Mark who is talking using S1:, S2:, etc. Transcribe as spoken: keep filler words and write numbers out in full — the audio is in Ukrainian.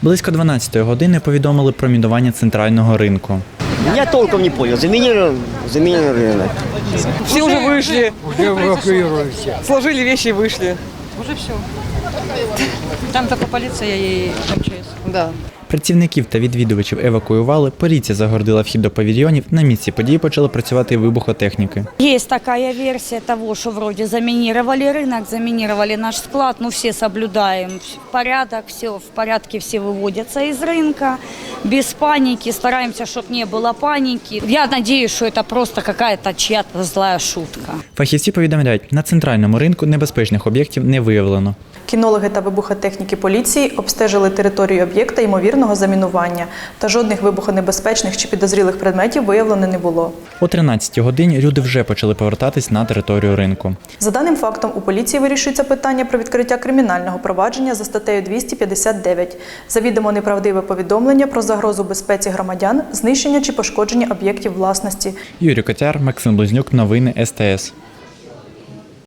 S1: Близько дванадцятої години повідомили про мінування центрального ринку.
S2: Я толком не понял. Заменили, заменили рынок.
S3: Все уже вышли.
S4: Уже эвакуируемся.
S3: Сложили вещи и вышли.
S5: Уже все. Там только полиция и МЧС.
S3: Да.
S1: Працівників та відвідувачів евакуювали, поліція загородила вхід до павільйонів, на місці події почали працювати вибухотехніки.
S6: Есть такая версия того, что вроде заминировали рынок, заминировали наш склад, но все соблюдаем порядок, все в порядке, все выводятся из рынка, без паники, стараемся, чтобы не было паники. Я надеюсь, что это просто какая-то чья-то злая шутка.
S1: Фахівці повідомляють, на центральному ринку небезпечних об'єктів не виявлено.
S7: Кінологи та вибухотехніки поліції обстежили територію об'єкта ймовірного замінування, та жодних вибухонебезпечних чи підозрілих предметів виявлено не було.
S1: О тринадцятій годині люди вже почали повертатись на територію ринку.
S7: За даним фактом, у поліції вирішується питання про відкриття кримінального провадження за статтею двісті п'ятдесят дев'ять «Завідомо неправдиве повідомлення про загрозу безпеці громадян, знищення чи пошкодження об'єктів власності».
S1: Юрій Котяр, Максим Близнюк, новини ес те ес.